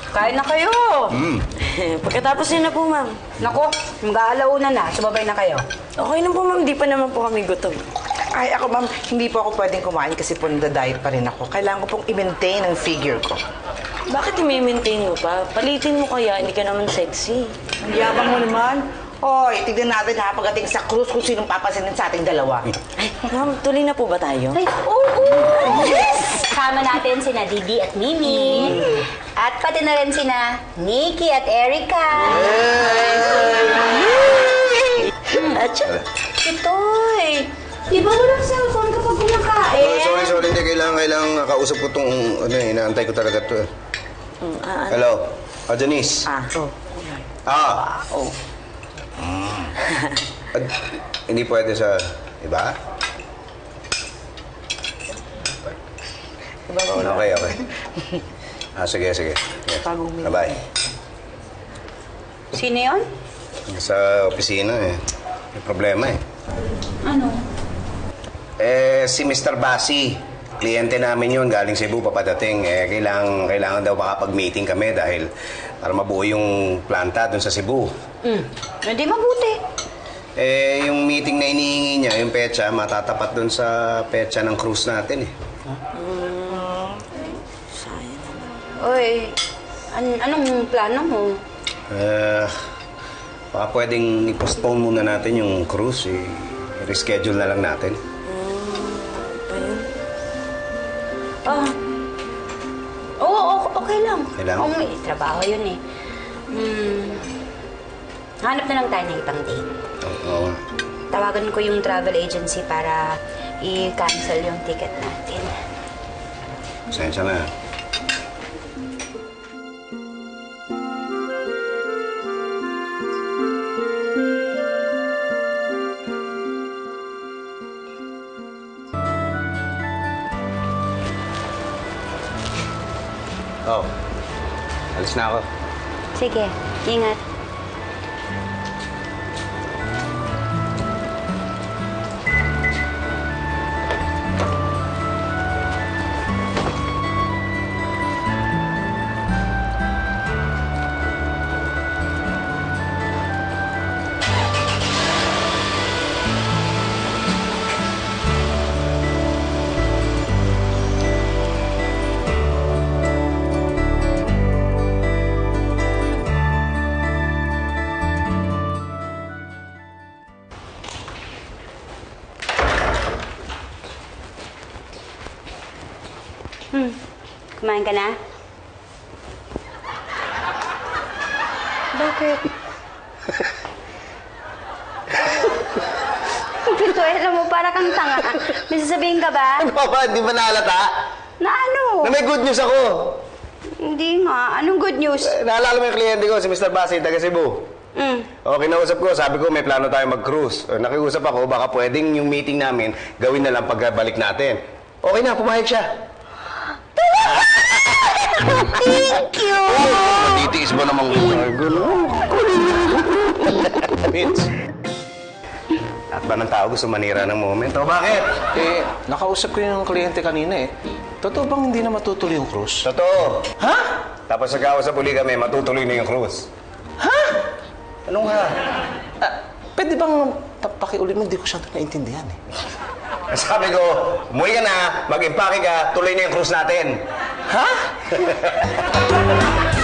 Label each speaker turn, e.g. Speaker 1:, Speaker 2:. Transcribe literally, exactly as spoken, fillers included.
Speaker 1: Kain na kayo.
Speaker 2: Mm.
Speaker 3: Pagkatapos niyo na po, ma'am.
Speaker 1: Nako, mag-aalauna na. Sumabay na kayo.
Speaker 3: Okay na po, ma'am. Di pa naman po kami gutom.
Speaker 4: Ay, ako ma'am, hindi po ako pwedeng kumain kasi po nada-diet pa rin ako. Kailangan ko pong i-maintain ang figure ko.
Speaker 3: Bakit i-maintain mo pa? Palitin mo kaya, hindi ka naman sexy.
Speaker 4: Ang yabang mo naman. Hoy, tignan natin ha, pagdating sa cruise kung sinong papansinin sa ating dalawa.
Speaker 3: Ay, ma'am, tuloy na po ba tayo?
Speaker 5: Ay, oo! Oh, oh. Yes! Kasama natin sina Didi at Mimi. Mm. At pati na rin sina Nikki at Erica.
Speaker 3: Atcha!
Speaker 5: Itoy! Di ba walang cellphone kapag kumakain?
Speaker 2: Oh, sorry, sorry. Hindi, kailangan, kailangan kausap ko itong, ano eh, inaantay ko talaga ito.
Speaker 3: Mm, ah,
Speaker 2: Hello? Ah, Janice?
Speaker 3: Ah, oh.
Speaker 2: Ah!
Speaker 3: Oh.
Speaker 2: Mm. Ad, hindi pwede sa iba?
Speaker 3: Iba
Speaker 2: Oh, okay, okay. Ah, sige, sige. Yeah. Bye-bye.
Speaker 1: Sino yun?
Speaker 2: Sa opisina eh. May problema eh.
Speaker 5: Ano?
Speaker 2: Eh, si Mister Basi. Kliyente namin yun. Galing Cebu, papadating. Eh, kailangan, kailangan daw makapag-meeting kami dahil para mabuo yung planta dun sa Cebu.
Speaker 1: Hmm, hindi mabuti.
Speaker 2: Eh, yung meeting na inihingi niya, yung petsa, matatapat dun sa petsa ng cruise natin eh.
Speaker 3: Hmm. Sayang naman.
Speaker 1: Uy, an anong plano mo?
Speaker 2: Eh, baka pwedeng i-postpone muna natin yung cruise. Eh. I-reschedule na lang natin.
Speaker 1: Ah, oo, okay lang.
Speaker 2: Okay lang?
Speaker 1: Oo, may trabaho yun eh. Hmm, hanap na lang tayo ng ibang date.
Speaker 2: Oo.
Speaker 1: Tawagan ko yung travel agency para i-cancel yung ticket natin.
Speaker 2: Pasensya na. Oh, alis na ako.
Speaker 5: Sige, ingat. Hmm. Kumain ka na?
Speaker 1: Bakit? Pituela mo, para kang tanga. May sasabihin ka ba?
Speaker 2: Ano ba? Di ba naalata?
Speaker 1: Na ano?
Speaker 2: Na may good news ako.
Speaker 1: Hindi nga. Anong good news?
Speaker 2: Eh, naalala mo yung kliyente ko, si Mister Basi, taga Cebu.
Speaker 1: Mm.
Speaker 2: O, kinausap ko, sabi ko may plano tayo mag-cruise. O, nakiusap ako, baka pwedeng yung meeting namin gawin na lang pagkabalik natin. Okay na, pumayag siya.
Speaker 1: Thank you!
Speaker 2: Matitiis ba namang gulo? Vince. At ba ng tao gusto manira ng moment? O, bakit?
Speaker 6: Eh, nakausap ko yung kliyente kanina eh. Totoo bang hindi na matutuloy yung cruise?
Speaker 2: Totoo.
Speaker 6: Ha?
Speaker 2: Tapos nagkausap uli kami, matutuloy na yung cruise.
Speaker 6: Ha?
Speaker 2: Anong ha?
Speaker 6: Ah, pwede bang pakiulit mo? Hindi ko siya naintindihan eh.
Speaker 2: Sabi ko, umuwi ka na, mag-impake ka, tuloy na yung cruise natin.
Speaker 6: Ha?